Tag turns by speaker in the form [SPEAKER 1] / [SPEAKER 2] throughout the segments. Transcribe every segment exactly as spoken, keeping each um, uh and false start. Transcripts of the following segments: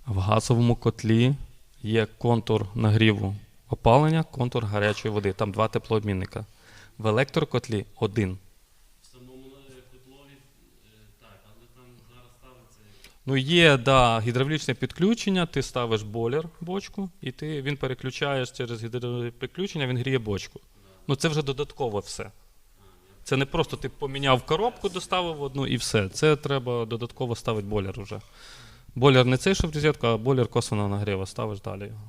[SPEAKER 1] В газовому котлі є контур нагріву опалення, контур гарячої води. Там два теплообмінника. В електрокотлі один.
[SPEAKER 2] В самому котлові, так, але там зараз ставиться...
[SPEAKER 1] Ну є, да, гідравлічне підключення, ти ставиш бойлер, бочку, і ти, він переключаєш через гідравлічне підключення, він гріє бочку. Ну це вже додатково все. Це не просто ти поміняв коробку, доставив одну і все. Це треба додатково ставити бойлер вже. Бойлер не цей, що в розетку, а бойлер косвенного нагріву, ставиш далі його.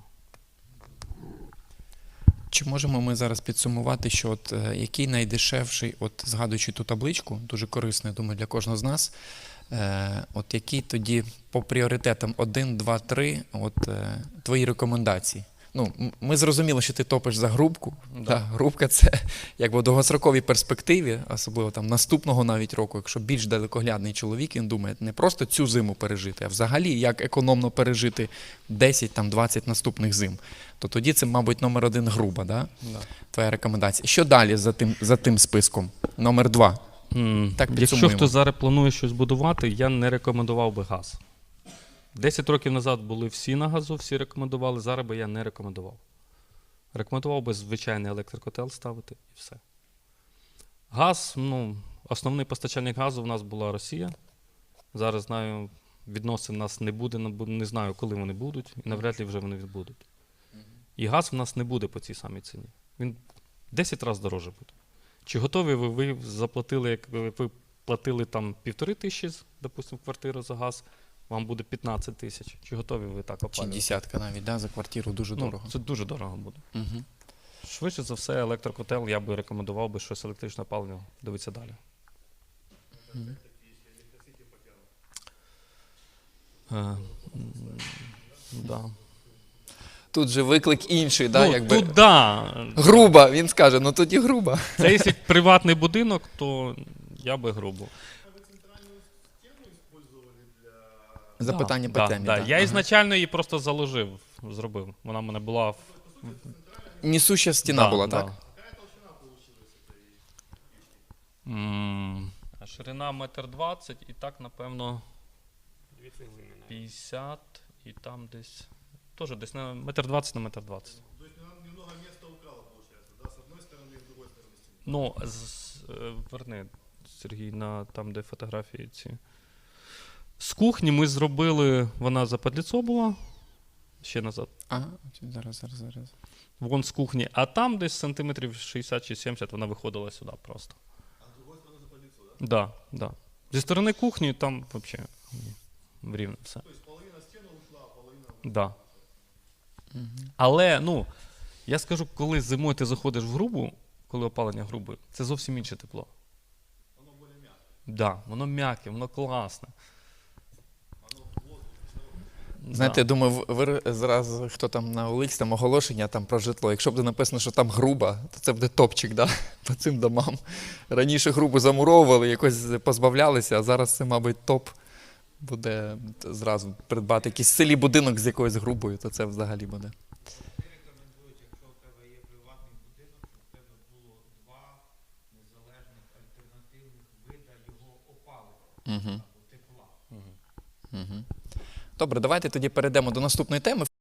[SPEAKER 3] Чи можемо ми зараз підсумувати, що от, е, який найдешевший, от згадуючи ту табличку, дуже корисно, я думаю, для кожного з нас, е, от який тоді по пріоритетам один, два, три, от е, твої рекомендації? Ну, м- ми зрозуміли, що ти топиш за грубку.
[SPEAKER 1] Да.
[SPEAKER 3] Да, грубка – це якби в довгостроковій перспективі, особливо там наступного навіть року, якщо більш далекоглядний чоловік, він думає не просто цю зиму пережити, а взагалі як економно пережити десять-двадцять наступних зим. То тоді це, мабуть, номер один груба, да?
[SPEAKER 1] Да.
[SPEAKER 3] Твоя рекомендація. Що далі за тим, за тим списком? Номер два.
[SPEAKER 1] М,
[SPEAKER 3] Так,
[SPEAKER 1] Якщо
[SPEAKER 3] підсумуємо.
[SPEAKER 1] хтось зараз планує щось будувати, я не рекомендував би газ. Десять років назад були всі на газу, всі рекомендували, зараз би я не рекомендував. Рекомендував би звичайний електрокотел ставити і все. Газ, ну, основний постачальник газу в нас була Росія. Зараз знаю, відносин у нас не буде, не знаю, коли вони будуть, і навряд ли вже вони відбудуть. І газ в нас не буде по цій самій ціні. Він десять разів дорожче буде. Чи готові ви, ви заплатили, як ви ви платили там півтори тисячі, допустимо, в квартиру за газ, вам буде п'ятнадцять тисяч. Чи готові ви так
[SPEAKER 3] Чи
[SPEAKER 1] опалювати?
[SPEAKER 3] десятка навіть, да, за квартиру дуже
[SPEAKER 1] Ну,
[SPEAKER 3] дорого.
[SPEAKER 1] це дуже дорого буде.
[SPEAKER 3] Угу.
[SPEAKER 1] Швидше за все, електрокотел, я би рекомендував би щось електричне опалення, дивитися далі. Е, м, да.
[SPEAKER 3] Тут же виклик інший, да,
[SPEAKER 1] Ну,
[SPEAKER 3] якби...
[SPEAKER 1] тут, да.
[SPEAKER 3] Груба, він скаже, ну тоді груба.
[SPEAKER 1] Це якщо приватний будинок, то я би грубо.
[SPEAKER 3] Запитання
[SPEAKER 1] Да,
[SPEAKER 3] по темі.
[SPEAKER 1] да.
[SPEAKER 3] да.
[SPEAKER 1] Я
[SPEAKER 3] Ага.
[SPEAKER 1] ізначально її просто заложив, зробив. Вона в мене була в...
[SPEAKER 3] Несуща стіна
[SPEAKER 1] Да,
[SPEAKER 3] була,
[SPEAKER 1] да.
[SPEAKER 3] так?
[SPEAKER 1] М, А ширина метр двадцять, і так, напевно, п'ятдесят, і там десь, теж десь на метр двадцять на метр двадцять.
[SPEAKER 4] То есть она немного места украла, получается, да, с одной стороны и с другой стороны стены.
[SPEAKER 1] Ну, з, е, верни, Сергій, на там, де фотографії ці. З кухні ми зробили, вона западліцо була, ще назад,
[SPEAKER 3] Ага, зараз, зараз, зараз.
[SPEAKER 1] вон з кухні, а там десь сантиметрів шістдесят чи сімдесят вона виходила сюди просто.
[SPEAKER 4] А с другой стороны запалиться, да?
[SPEAKER 1] Да, да. Зі сторони кухні там взагалі рівно все.
[SPEAKER 4] То есть половина стены ушла, а половина...
[SPEAKER 1] Да.
[SPEAKER 3] Угу.
[SPEAKER 1] Але, ну, я скажу, коли зимою ти заходиш в грубу, коли опалення грубе, це зовсім інше тепло.
[SPEAKER 4] Оно более мягкое.
[SPEAKER 1] Да, воно м'яке, воно класне.
[SPEAKER 4] Оно в воздухе.
[SPEAKER 3] Знаєте,
[SPEAKER 1] Да.
[SPEAKER 3] я думаю, в- ви зараз, хто там на Оликс, там оголошення там про житло. Якщо буде написано, що там груба, то це буде топчик, да? По цим домам. Раніше грубу замуровували, якось позбавлялися, а зараз це, мабуть, топ буде зразу придбати якийсь в селі будинок з якоюсь грубою, то це взагалі буде.
[SPEAKER 5] Рекомендують, якщо у тебе є приватний будинок, щоб у тебе було два незалежних альтернативних вида його опалення
[SPEAKER 3] Угу.
[SPEAKER 5] або тепла.
[SPEAKER 3] Угу. Добре, давайте тоді перейдемо до наступної теми.